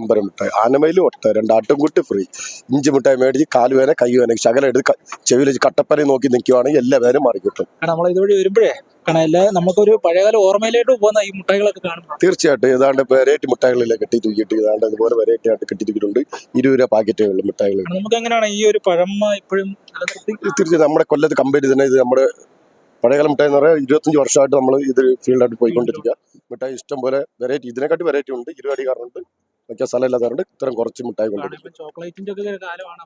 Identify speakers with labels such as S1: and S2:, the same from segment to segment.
S1: പമ്പരം മിഠായി, ആനമയിലും ഒട്ട, 2 ആട്ടുംകുട്ടി ഫ്രീ, ഇഞ്ചി മിഠായി മേടിച്ച് കാലുവേന കൈവേന ശകലം എടുത്ത് ചെവിയിൽ കട്ടപ്പന നോക്കി നിൽക്കുവാണെങ്കിൽ എല്ലാ വേനും മാറിക്കിട്ടും.
S2: നമ്മൾ ഇതുവഴി വരുമ്പോഴേ നമുക്കൊരു പഴയകാല ഓർമ്മയിലേക്ക് പോകുന്ന ഈ മുട്ടായികളൊക്കെ കാണുമ്പോൾ
S1: തീർച്ചയായിട്ടും ഏതാണ്ട് വെറൈറ്റി മിഠായികളിലെ കെട്ടി തൂക്കിയിട്ട് ഏതാണ്ട് അതുപോലെ വെറൈറ്റി ആയിട്ട് കെട്ടിയിരിക്കുന്നുണ്ട്. 20 രൂപ പാക്കറ്റുകളിൽ മിഠായികൾ.
S2: നമുക്ക് എങ്ങനെയാണ് ഈ ഒരു പഴമ ഇപ്പോഴും
S1: തീർച്ചയായും നമ്മുടെ കൊല്ലത്ത് കമ്പനി തന്നെ ഇത് നമ്മുടെ പഴയകാല മിഠായി എന്ന് പറഞ്ഞാൽ 25 വർഷമായിട്ട് നമ്മൾ ഇത് ഫീൽഡായിട്ട് പോയിക്കൊണ്ടിരിക്കുക. മിഠായി ഇഷ്ടം പോലെ വെറൈറ്റി, ഇതിനെക്കാട്ടി വെറൈറ്റി ഉണ്ട്. 20 അടിക്കാറുണ്ട്, വയ്ക്കാൻ സ്ഥലം ഇല്ലാത്തവരുണ്ട്. ഇത്രയും കുറച്ച് മിഠായി കൊണ്ടുവരും.
S2: ചോക്ലേറ്റിന്റെ ഒക്കെ കാലമാണ്.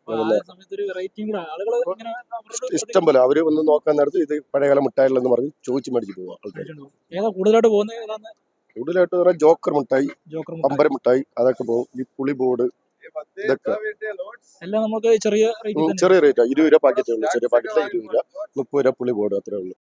S1: ഇഷ്ടം പോലെ അവര് ഒന്ന് നോക്കാൻ നേരത്ത് ഇത് പഴയകാല മിഠായികൾ എന്ന് പറഞ്ഞ് ചോദിച്ചു മേടിച്ച് പോവാം.
S2: കൂടുതലായിട്ട് പോകുന്നത്
S1: കൂടുതലായിട്ട് പറഞ്ഞാൽ ജോക്കർ മിഠായി, പമ്പര മിഠായി, അതൊക്കെ പോകും. ഈ പുളി ബോർഡ് ഇതൊക്കെ
S2: എല്ലാം നമുക്ക് ചെറിയ
S1: റേറ്റാ. 20 രൂപ പാക്കറ്റേ ഉള്ളൂ. ചെറിയ പാക്കറ്റിലെ 20 രൂപ, 30 രൂപ പുളി ബോർഡ്, അത്രേ ഉള്ളൂ.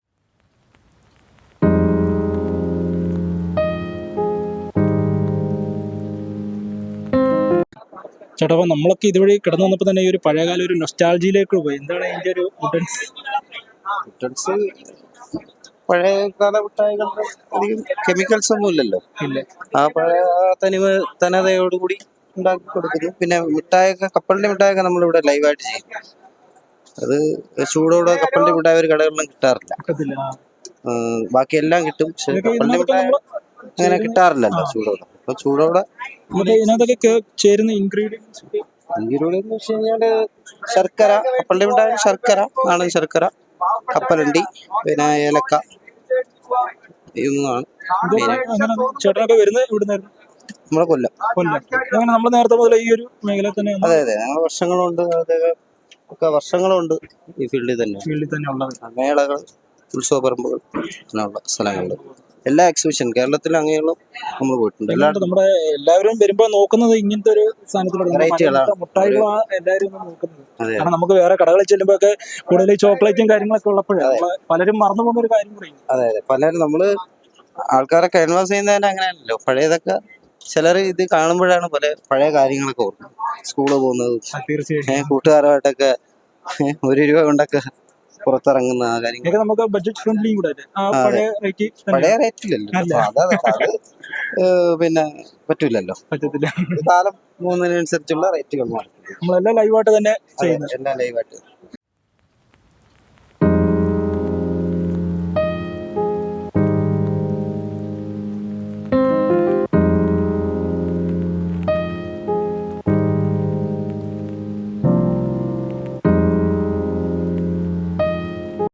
S2: ചേട്ടാ, അപ്പൊ നമ്മളൊക്കെ ഇതുവഴി കിടന്നു വന്നപ്പോ തന്നെ ഈ ഒരു പഴയകാല ഒരു നൊസ്റ്റാൾജിയിലേക്ക് പോയി. എന്താണ് ഇതിന്റെ ഒരു
S3: ഡിഫറൻസ്? പഴയകാല മിഠായികളുടെ അധികം കെമിക്കൽസ് ഒന്നും ഇല്ലല്ലോ. ആ പഴയ തനതയോടുകൂടി ഉണ്ടാക്കി കൊടുക്കുന്നു. പിന്നെ മിഠായൊക്കെ, കപ്പലിന്റെ മിഠായൊക്കെ നമ്മളിവിടെ ലൈവായിട്ട് ചെയ്യും. അത് ചൂടോടെ കപ്പലിന്റെ മിഠായി ഒരു കടകളിലും കിട്ടാറില്ല. ബാക്കി എല്ലാം കിട്ടും, പക്ഷെ കപ്പലിന്റെ മിഠായി അങ്ങനെ കിട്ടാറില്ലല്ലോ ചൂടോടെ. അപ്പൊ ചൂടോടെ
S2: ചേരുന്ന ഇൻഗ്രീഡിയൻസ്
S3: എന്ന് വെച്ച് കഴിഞ്ഞാല് ശർക്കര, കപ്പലിന്റെ മിഠായി ശർക്കര, നാടൻ ശർക്കര, കപ്പലണ്ടി, പിന്നെ ഏലക്ക, ഇതൊന്നാണ്.
S2: ചേട്ടനൊക്കെ വരുന്നത് ഇവിടുന്നായിരുന്നു?
S3: നമ്മളെ കൊല്ലം.
S2: നമ്മൾ നേരത്തെ മുതൽ ഈ ഒരു മേഖല തന്നെ?
S3: അതെ അതെ, ഞങ്ങൾ വർഷങ്ങളുണ്ട് ഈ ഫീൽഡിൽ തന്നെ
S2: ഉള്ളത്.
S3: മേളകൾ, ഉത്സവ പറമ്പുകൾ, അങ്ങനെയുള്ള സ്ഥലങ്ങളിൽ എല്ലാ എക്സിബിഷൻ കേരളത്തിൽ അങ്ങനെയുള്ള നമ്മൾ പോയിട്ടുണ്ട്.
S2: നമ്മുടെ എല്ലാവരും വരുമ്പോൾ നോക്കുന്നത് ഇങ്ങനത്തെ ഒരു സാധനത്തിലുള്ള മുട്ടായികളാണ് എല്ലാവരും നോക്കുന്നത്. കാരണം നമുക്ക് വേറെ കടകളിൽ ചെല്ലുമ്പോ ഒക്കെ കൂടുതൽ ചോക്ലേറ്റും കാര്യങ്ങളൊക്കെ ഉള്ളപ്പോഴാണ് പലരും മറന്നു പോകുന്ന ഒരു കാര്യം പറയും.
S3: അതെ അതെ, പലരും നമ്മള് ആൾക്കാരെ ക്യാൻവാസ് ചെയ്യുന്നതിന് അങ്ങനെയല്ലോ. പഴയതൊക്കെ ചിലർ ഇത് കാണുമ്പോഴാണ് പഴയ കാര്യങ്ങളൊക്കെ ഓർക്കുന്നത്. സ്കൂളിൽ പോകുന്നതും കൂട്ടുകാരുമായിട്ടൊക്കെ 1 രൂപ കൊണ്ടൊക്കെ പുറത്തിറങ്ങുന്ന ആ കാര്യങ്ങൾ
S2: നമുക്ക് ബഡ്ജറ്റ് ഫ്രണ്ട്ലി കൂടെ
S3: പഴയ റേറ്റിലല്ലോ. അത് പിന്നെ പറ്റൂലല്ലോ, കാലം പോകുന്നതിനനുസരിച്ചുള്ള റേറ്റുകൾ മാറും.
S2: നമ്മളെല്ലാം ലൈവായിട്ട് തന്നെ
S3: എല്ലാം ലൈവായിട്ട്